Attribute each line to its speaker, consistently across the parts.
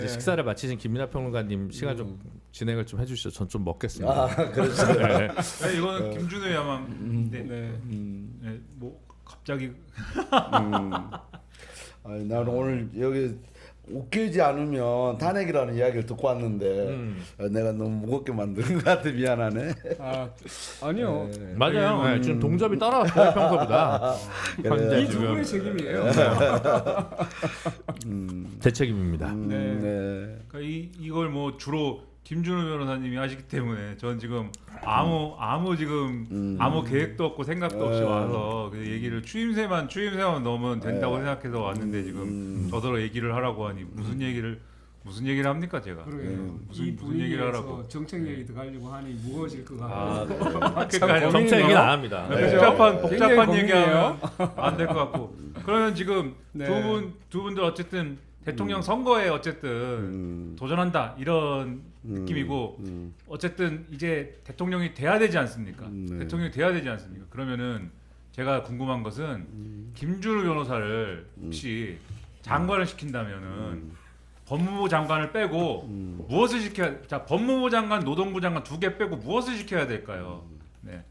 Speaker 1: 식사를 마치신 김민하 평론가님 시간 좀 진행을 좀 해주시죠. 전 좀 먹겠습니다.
Speaker 2: 아, 그렇죠.
Speaker 1: 네.
Speaker 3: 네, 이거는 김준호 야만. 네, 뭐 갑자기.
Speaker 2: 아니, 나는 오늘 여기 웃기지 않으면 탄핵이라는 이야기를 듣고 왔는데 내가 너무 무겁게 만든 것 같아. 미안하네.
Speaker 4: 아니요.
Speaker 1: 맞아요. 네, 지금 동접이 따라왔어요 평소보다. 현재
Speaker 4: 이 두 분의
Speaker 1: 지금
Speaker 4: 책임이에요.
Speaker 1: 제 책임입니다.
Speaker 2: 네.
Speaker 3: 그러니까 이걸 뭐 주로 김준호 변호사님이 하시기 때문에 전 지금 아무 지금 아무 계획도 없고 생각도 없이 와서 그 얘기를 추임새만 넣으면 된다고 생각해서 왔는데 지금 저더러 얘기를 하라고 하니 무슨 얘기를 합니까 제가?
Speaker 4: 그러게요.
Speaker 3: 무슨
Speaker 4: 이
Speaker 3: 얘기를 하라고?
Speaker 4: 분위기에서 정책 얘기 들어가려고 하니 무거워질 것
Speaker 3: 아,
Speaker 4: 같아요.
Speaker 3: 그러니까요.
Speaker 1: 정책 얘기는 안 합니다.
Speaker 3: 네.
Speaker 4: 굉장히
Speaker 3: 복잡한
Speaker 4: 고민이에요.
Speaker 3: 얘기하면 안 될 것 같고. 그러면 지금
Speaker 4: 네.
Speaker 3: 두 분들 어쨌든 대통령 선거에 어쨌든 도전한다 이런 느낌이고 어쨌든 이제 대통령이 돼야 되지 않습니까? 대통령이 돼야 되지 않습니까? 그러면은 제가 궁금한 것은 김준호 변호사를 혹시 장관을 시킨다면은 법무부 장관을 빼고 무엇을 시켜야? 자, 법무부 장관, 노동부 장관 두 개 빼고 무엇을 시켜야 될까요? 네.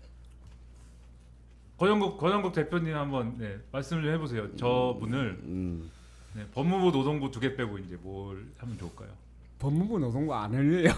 Speaker 3: 권영국 대표님 한번 말씀을 좀 해보세요. 저분을 법무부, 노동부 두 개 빼고 이제 뭘 하면 좋을까요?
Speaker 4: 법무부 노동부 안 흘려요.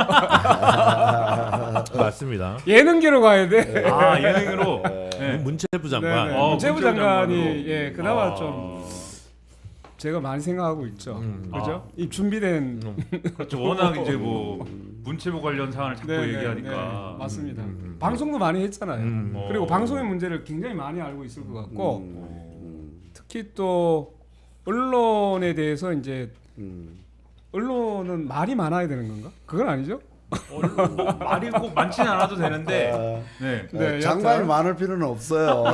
Speaker 1: 맞습니다.
Speaker 4: 예능계로 가야 돼.
Speaker 3: 아 예능으로.
Speaker 1: 문체부
Speaker 4: 네,
Speaker 1: 장관.
Speaker 4: 네.
Speaker 3: 어,
Speaker 4: 문체부
Speaker 3: 문체부
Speaker 4: 장관이
Speaker 3: 장관으로.
Speaker 4: 그나마 좀 제가 많이 생각하고 있죠. 그죠? 이 준비된
Speaker 3: 그렇죠. 워낙 이제 뭐 문체부 관련 사안을 자꾸 얘기하니까.
Speaker 4: 맞습니다. 방송도 많이 했잖아요. 그리고 방송의 문제를 굉장히 많이 알고 있을 것 같고 특히 또 언론에 대해서 이제 언론은 말이 많아야 되는 건가? 그건 아니죠?
Speaker 3: 말이 꼭 많지는 않아도 되는데. 네.
Speaker 4: 네,
Speaker 2: 장관이
Speaker 4: 여튼.
Speaker 2: 많을 필요는 없어요.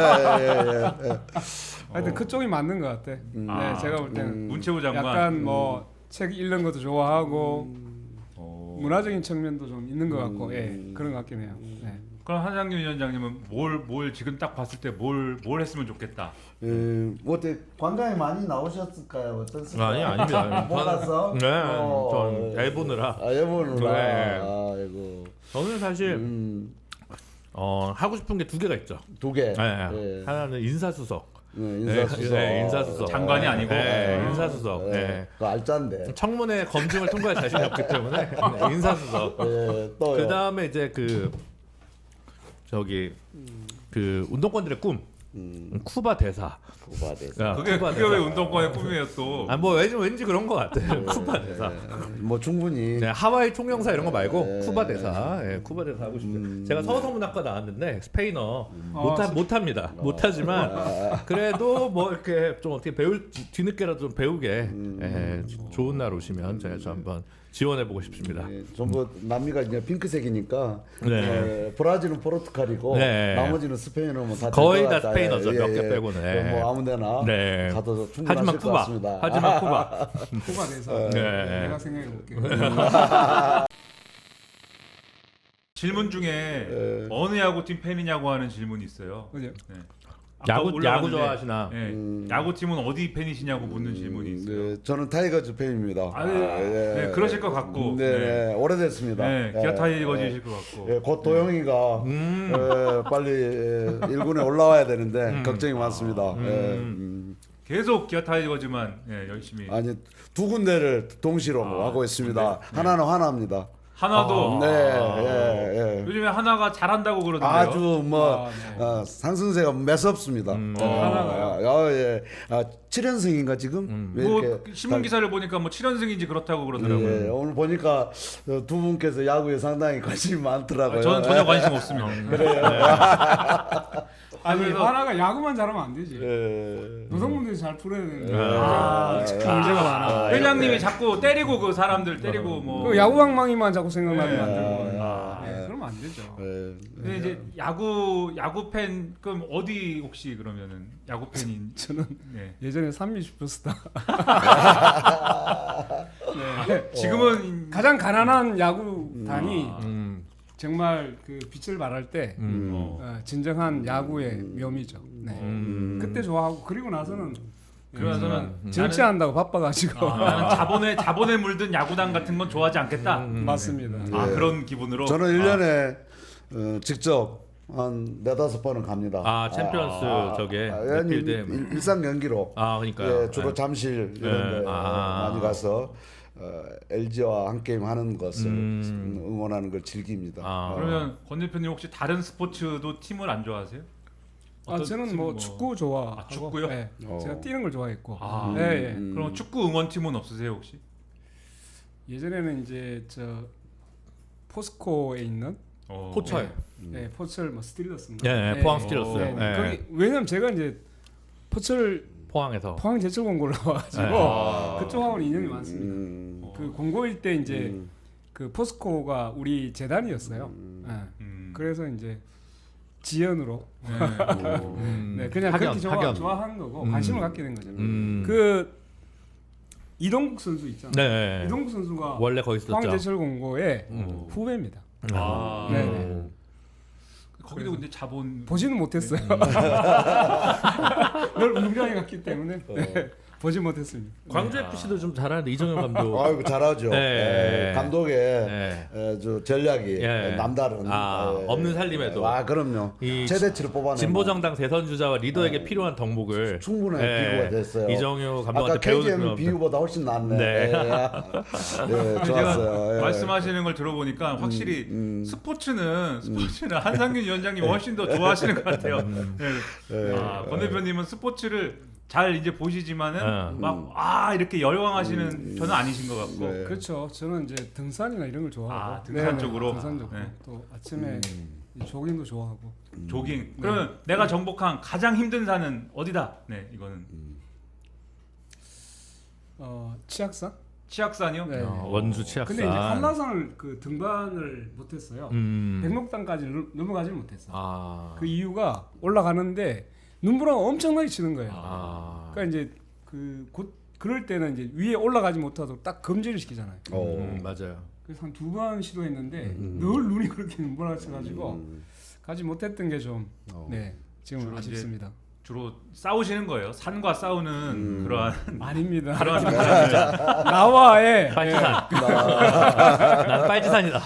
Speaker 4: 하여튼 그쪽이 맞는 것 같아. 네, 제가 볼 때는
Speaker 3: 문체부 장관.
Speaker 4: 약간 뭐 책 읽는 것도 좋아하고 문화적인 측면도 좀 있는 것 같고, 그런 것 같긴 해요. 네.
Speaker 3: 그럼 한상균 위원장님은 뭘 지금 딱 봤을 때 뭘 했으면 좋겠다.
Speaker 2: 뭐 어때 관광에 많이 나오셨을까요? 어떻습니까?
Speaker 1: 아니 아닙니다.
Speaker 2: 몰랐어?
Speaker 1: 네, 전 애 보느라.
Speaker 2: 애 보느라.
Speaker 1: 네.
Speaker 2: 아이고.
Speaker 1: 저는 사실 하고 싶은 게 두 개가 있죠.
Speaker 2: 두 개.
Speaker 1: 네. 하나는 인사수석.
Speaker 2: 인사수석.
Speaker 1: 네, 인사수석.
Speaker 3: 장관이 아니고.
Speaker 1: 네, 인사수석. 네.
Speaker 2: 그 알짠데.
Speaker 1: 청문회 검증을 통과할 자신이 없기 때문에 인사수석.
Speaker 2: 또요.
Speaker 1: 그 다음에 이제 그 운동권들의 꿈. 쿠바 대사.
Speaker 2: 쿠바 대사.
Speaker 1: 야,
Speaker 3: 그게
Speaker 1: 쿠바
Speaker 3: 왜 운동권의 꿈이에요 또?
Speaker 1: 뭐 왠지 그런 것 같아요. 쿠바 대사.
Speaker 2: 뭐 충분히.
Speaker 1: 네, 하와이 총영사 이런 거 말고 쿠바 대사. 쿠바 대사 하고 싶어요. 제가 서서문학과 나왔는데 스페인어 못합니다. 못하지만 그래도 뭐 이렇게 좀 어떻게 뒤늦게라도 좀 배우게 좋은 날 오시면 제가 좀 한번 지원해보고 싶습니다.
Speaker 2: 전부 남미가 이제 핑크색이니까
Speaker 1: 네.
Speaker 2: 브라질은 포르투갈이고
Speaker 1: 네.
Speaker 2: 나머지는 스페인은 뭐다
Speaker 1: 거의 다 스페인어죠. 몇 개 빼고는.
Speaker 2: 뭐 아무데나
Speaker 1: 네.
Speaker 2: 가도
Speaker 1: 하지만
Speaker 2: 충분하실 것
Speaker 1: 쿠바.
Speaker 2: 같습니다.
Speaker 1: 하지만 쿠바.
Speaker 4: 쿠바 대사.
Speaker 1: 네.
Speaker 4: 내가 생각해 볼게.
Speaker 3: 질문 중에 어느 야구팀 팬이냐고 하는 질문이 있어요.
Speaker 4: 그죠?
Speaker 3: 네. 아까
Speaker 1: 야구
Speaker 3: 올라갔는데,
Speaker 1: 좋아하시나?
Speaker 3: 야구팀은 어디 팬이시냐고 묻는 질문이 있어요.
Speaker 2: 네, 저는 타이거즈 팬입니다.
Speaker 3: 네, 그러실 것 같고.
Speaker 2: 네, 오래됐습니다.
Speaker 3: 네, 기아 타이거즈이실 것 같고.
Speaker 2: 곧 도영이가 빨리 1군에 올라와야 되는데 걱정이 많습니다.
Speaker 3: 계속 기아 타이거즈만 열심히.
Speaker 2: 아니 두 군데를 동시로 하고 있습니다. 하나는 하나입니다.
Speaker 3: 하나도 요즘에 하나가 잘한다고 그러던데요.
Speaker 2: 아주 뭐 상승세가 매섭습니다.
Speaker 4: 하나가요?
Speaker 2: 예. 7연승인가 지금? 왜
Speaker 3: 뭐
Speaker 2: 이렇게
Speaker 3: 신문 기사를 보니까 뭐 7연승인지 그렇다고 그러더라고요.
Speaker 2: 예, 오늘 보니까 두 분께서 야구에 상당히 관심이 많더라고요.
Speaker 3: 저는 전혀 관심 없습니다.
Speaker 4: 아니
Speaker 3: 그래서-
Speaker 4: 하나가 야구만 잘하면 안 되지.
Speaker 2: 예.
Speaker 4: 노동분들이 잘 풀어야 되는데 문제가 많아.
Speaker 3: 회장님이 자꾸 때리고 그 사람들 때리고 뭐.
Speaker 4: 그 야구방망이만 자꾸 생각나게
Speaker 3: 네.
Speaker 4: 만들고. 그러면 안 되죠.
Speaker 2: 예.
Speaker 3: 근데 이제 야구 팬 그럼 어디 혹시 그러면은 야구 팬인
Speaker 4: 저는
Speaker 3: 네.
Speaker 4: 예전에 삼미 슈퍼스타
Speaker 3: 지금은
Speaker 4: 가장 가난한 야구단이 정말 그 빛을 발할 때 진정한 야구의 묘미죠. 네. 그때 좋아하고 그리고 나서는
Speaker 3: 그러면서는
Speaker 4: 정치한다고 바빠가지고
Speaker 3: 나는 자본에 물든 야구단 같은 건 좋아하지 않겠다.
Speaker 4: 맞습니다.
Speaker 3: 아
Speaker 2: 예.
Speaker 3: 그런 기분으로.
Speaker 2: 저는 1년에 직접 한 4-5번은 갑니다.
Speaker 1: 아 챔피언스 저게
Speaker 2: 아니,
Speaker 1: 필드에
Speaker 2: 일상 경기로
Speaker 1: 아 그러니까요.
Speaker 2: 예, 주로 잠실 이런 데 많이 가서 LG와 한 게임 하는 것을 응원하는 걸 즐깁니다.
Speaker 3: 그러면 권 대표님 혹시 다른 스포츠도 팀을 안 좋아하세요? 어떤
Speaker 4: 저는
Speaker 3: 팀
Speaker 4: 뭐 축구 좋아하고
Speaker 3: 아, 축구요?
Speaker 4: 네. 제가 뛰는 걸 좋아했고
Speaker 3: 아,
Speaker 4: 예, 예.
Speaker 3: 그럼 축구 응원팀은 없으세요 혹시?
Speaker 4: 예전에는 이제 저 포스코에 있는
Speaker 1: 포철.
Speaker 4: 네, 포철 뭐 스틸러스인가?
Speaker 1: 예, 포항 스틸러스.
Speaker 4: 네,
Speaker 1: 예.
Speaker 4: 거기 왜냐면 제가 이제 포철
Speaker 1: 포항에서.
Speaker 4: 포항 제철 공고를 나와가지고 그쪽하고는 인연이 많습니다. 그 공고일 때 이제 그 포스코가 우리 재단이었어요. 예. 그래서 이제 지연으로 네, 그냥
Speaker 1: 학연,
Speaker 4: 그렇게
Speaker 1: 학연.
Speaker 4: 좋아하는 거고 관심을 갖게 된 거죠.
Speaker 1: 음.
Speaker 4: 그 이동국 선수 있잖아요.
Speaker 1: 네.
Speaker 4: 이동국 선수가
Speaker 1: 원래 거기 있었죠.
Speaker 4: 포항 제철 공고의 후배입니다.
Speaker 3: 아,
Speaker 4: 네.
Speaker 3: 거기도 근데 자본
Speaker 4: 보지는 못했어요. 늘 운동장에 갔기 때문에 네, 보지 못했습니다.
Speaker 1: 광주 FC도 좀 잘하는데 이정현 감독.
Speaker 2: 아이고 잘하죠.
Speaker 1: 네.
Speaker 2: 감독의
Speaker 1: 네.
Speaker 2: 저 전략이
Speaker 1: 예.
Speaker 2: 남다른.
Speaker 1: 없는 살림에도.
Speaker 2: 아 그럼요.
Speaker 1: 이
Speaker 2: 최대치를 뽑아내는.
Speaker 1: 진보정당 대선 주자와 리더에게 필요한 덕목을
Speaker 2: 충분한 비교가 됐어요.
Speaker 1: 이정효
Speaker 2: 아까
Speaker 1: 감독한테
Speaker 2: KGM
Speaker 1: 배우는
Speaker 2: 비유보다 훨씬 낫네.
Speaker 1: 네.
Speaker 2: 네, 좋았어요. 예.
Speaker 3: 말씀하시는 걸 들어보니까 확실히 스포츠는 한상균 위원장님 훨씬 더 좋아하시는 것 같아요. 네. 권 대표님은 스포츠를 잘 이제 보시지만은 막 이렇게 열광하시는 저는 아니신 것 같고.
Speaker 2: 네.
Speaker 4: 그렇죠. 저는 이제 등산이나 이런 걸 좋아하고
Speaker 3: 등산 쪽으로?
Speaker 4: 등산 쪽으로
Speaker 3: 네.
Speaker 4: 또 아침에 이 조깅도 좋아하고
Speaker 3: 조깅. 그러면 내가 정복한 가장 힘든 산은 어디다? 네, 이거는
Speaker 4: 치악산?
Speaker 3: 치악산이요?
Speaker 4: 네.
Speaker 1: 원주 치악산.
Speaker 4: 근데 이제 한라산을 그 등반을 못했어요. 백록당까지 넘어가지 못했어. 그 이유가 올라가는데 눈보라가 엄청나게 치는 거예요. 그러니까 이제 곧 그럴 때는 이제 위에 올라가지 못하도록 딱 금지를 시키잖아요.
Speaker 1: 맞아요.
Speaker 4: 그래서 한 2번 시도했는데 늘 눈이 그렇게 눈보라가 쳐가지고 가지 못했던 게 좀 네, 지금
Speaker 3: 주로
Speaker 4: 아쉽습니다.
Speaker 3: 주로 싸우시는 거예요. 산과 싸우는 그러한
Speaker 4: 아닙니다.
Speaker 3: 그런
Speaker 4: 나와의
Speaker 1: 빨지산. 난 빨지산이다.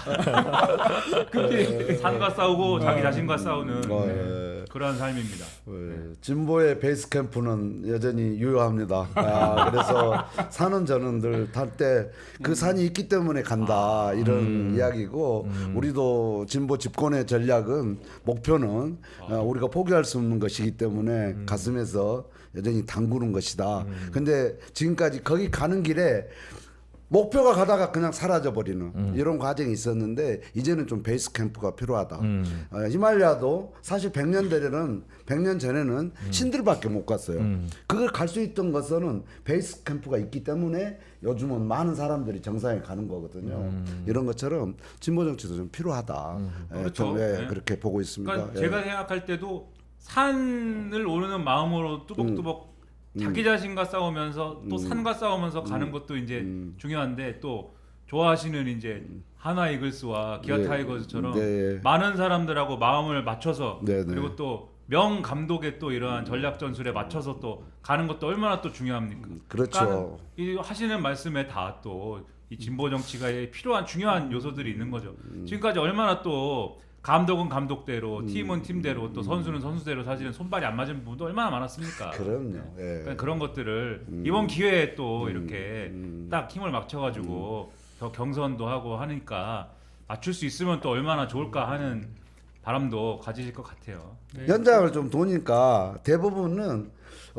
Speaker 3: 산과 싸우고 자기 자신과 싸우는
Speaker 2: 예.
Speaker 3: 그러한 삶입니다.
Speaker 2: 진보의 베이스 캠프는 여전히 유효합니다. 그래서 산은 저는 늘 탈 때 그 산이 있기 때문에 간다 이런 이야기고 우리도 진보 집권의 전략은 목표는 우리가 포기할 수 없는 것이기 때문에 가슴에서 여전히 담그는 것이다. 근데 지금까지 거기 가는 길에 목표가 가다가 그냥 사라져 버리는 이런 과정이 있었는데 이제는 좀 베이스 캠프가 필요하다. 히말라야도 사실 100년 전에는 신들밖에 못 갔어요. 그걸 갈 수 있던 것은 베이스 캠프가 있기 때문에 요즘은 많은 사람들이 정상에 가는 거거든요. 이런 것처럼 진보 정치도 좀 필요하다.
Speaker 3: 그렇죠.
Speaker 2: 좀,
Speaker 3: 네.
Speaker 2: 그렇게 보고 있습니다.
Speaker 3: 그러니까
Speaker 2: 예.
Speaker 3: 제가 생각할 때도 산을 오르는 마음으로 뚜벅뚜벅 자기 자신과 싸우면서 또 산과 싸우면서 가는 것도 이제 중요한데 또 좋아하시는 이제 하나 이글스와 기아
Speaker 2: 네.
Speaker 3: 타이거즈처럼
Speaker 2: 네.
Speaker 3: 많은 사람들하고 마음을 맞춰서
Speaker 2: 네, 네.
Speaker 3: 그리고 또 명 감독의 또 이러한 전략 전술에 맞춰서 또 가는 것도 얼마나 또 중요합니까?
Speaker 2: 그렇죠.
Speaker 3: 그러니까 이 하시는 말씀에 다 또 이 진보 정치가 필요한 중요한 요소들이 있는 거죠. 지금까지 얼마나 또 감독은 감독대로, 팀은 팀대로, 또 선수는 선수대로 사실은 손발이 안 맞은 부분도 얼마나 많았습니까?
Speaker 2: 그럼요. 예.
Speaker 3: 그러니까 그런 것들을 이번 기회에 또 이렇게 딱 힘을 맞춰가지고 더 경선도 하고 하니까 맞출 수 있으면 또 얼마나 좋을까 하는 바람도 가지실 것 같아요.
Speaker 2: 현장을 좀 도니까 대부분은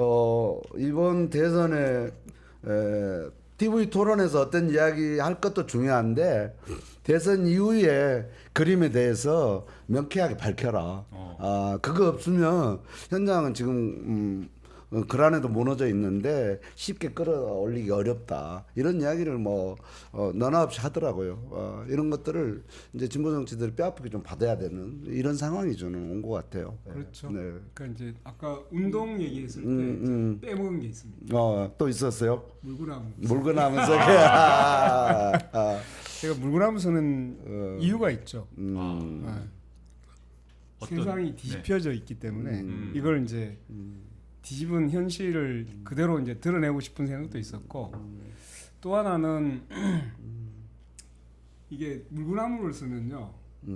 Speaker 2: 이번 대선에 TV 토론에서 어떤 이야기 할 것도 중요한데 대선 이후에 그림에 대해서 명쾌하게 밝혀라. 그거 없으면 현장은 지금 글 안에도 무너져 있는데 쉽게 끌어올리기 어렵다. 이런 이야기를 뭐 너나 없이 하더라고요. 이런 것들을 이제 진보 정치들이 뼈아프게 좀 받아야 되는 이런 상황이 저는 온 것 같아요.
Speaker 4: 그렇죠.
Speaker 2: 네.
Speaker 4: 그러니까 이제 아까 운동 얘기했을 때 빼먹은 게 있습니다.
Speaker 2: 또 있었어요?
Speaker 4: 물구나무.
Speaker 2: 물구나무서
Speaker 4: 제가 물구나무서는 이유가 있죠.
Speaker 3: 어떤-
Speaker 4: 세상이 뒤집혀져 있기 때문에 이걸 이제 뒤집은 현실을 그대로 이제 드러내고 싶은 생각도 있었고 또 하나는 이게 물구나무를 쓰면요.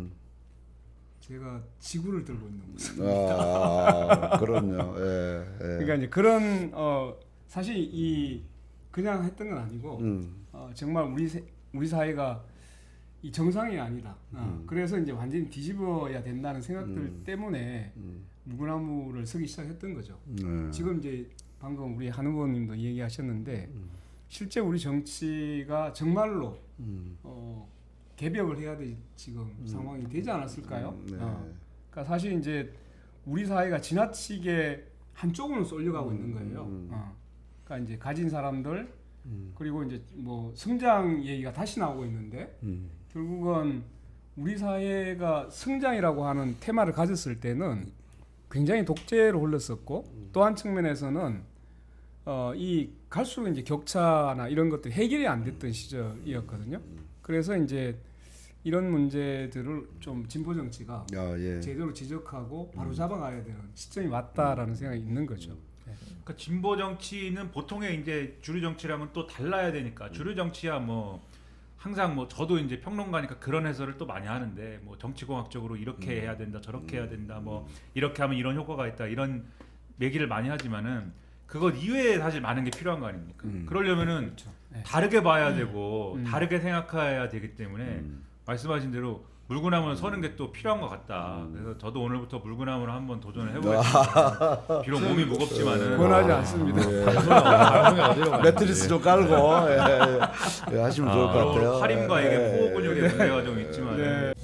Speaker 4: 제가 지구를 들고 있는 모습.
Speaker 2: 그럼요. 예, 예.
Speaker 4: 그러니까 이제 그런 사실 이 그냥 했던 건 아니고 정말 우리 사회가 이 정상이 아니다. 그래서 이제 완전히 뒤집어야 된다는 생각들 때문에 물구나무를 쓰기 시작했던 거죠. 지금 이제 방금 우리 한 후보님도 얘기하셨는데 실제 우리 정치가 정말로 개벽을 해야 될 지금 상황이 되지 않았을까요?
Speaker 2: 네.
Speaker 4: 그러니까 사실 이제 우리 사회가 지나치게 한쪽으로 쏠려가고 있는 거예요. 그러니까 이제 가진 사람들 그리고 이제 뭐 성장 얘기가 다시 나오고 있는데 결국은 우리 사회가 성장이라고 하는 테마를 가졌을 때는 굉장히 독재로 흘렀었고 또 한 측면에서는 이 갈수록 이제 격차나 이런 것들이 해결이 안 됐던 시절이었거든요. 그래서 이제 이런 문제들을 좀 진보 정치가
Speaker 2: 예.
Speaker 4: 제대로 지적하고 바로 잡아가야 되는 시점이 왔다라는 생각이 있는 거죠.
Speaker 3: 그러니까 진보 정치는 보통의 이제 주류 정치랑은 또 달라야 되니까 주류 정치야 뭐 항상 뭐 저도 이제 평론가니까 그런 해설을 또 많이 하는데 뭐 정치공학적으로 이렇게 해야 된다 저렇게 해야 된다 뭐 이렇게 하면 이런 효과가 있다 이런 얘기를 많이 하지만은 그것 이외에 사실 많은 게 필요한 거 아닙니까? 그러려면은
Speaker 4: 그렇죠. 네.
Speaker 3: 다르게 봐야 되고 다르게 생각해야 되기 때문에 말씀하신 대로 물구나무를 서는 게 또 필요한 것 같다. 그래서 저도 오늘부터 물구나무를 한번 도전을 해보겠습니다. 비록 몸이 무겁지만은
Speaker 4: 권하지 않습니다.
Speaker 1: 방송이 어디로 가는지.
Speaker 2: 매트리스 좀 깔고 예, 하시면 좋을 것 같아요.
Speaker 3: 활임과 이게
Speaker 2: 예,
Speaker 3: 호흡 근육의 문제가 좀 있지만
Speaker 4: 네.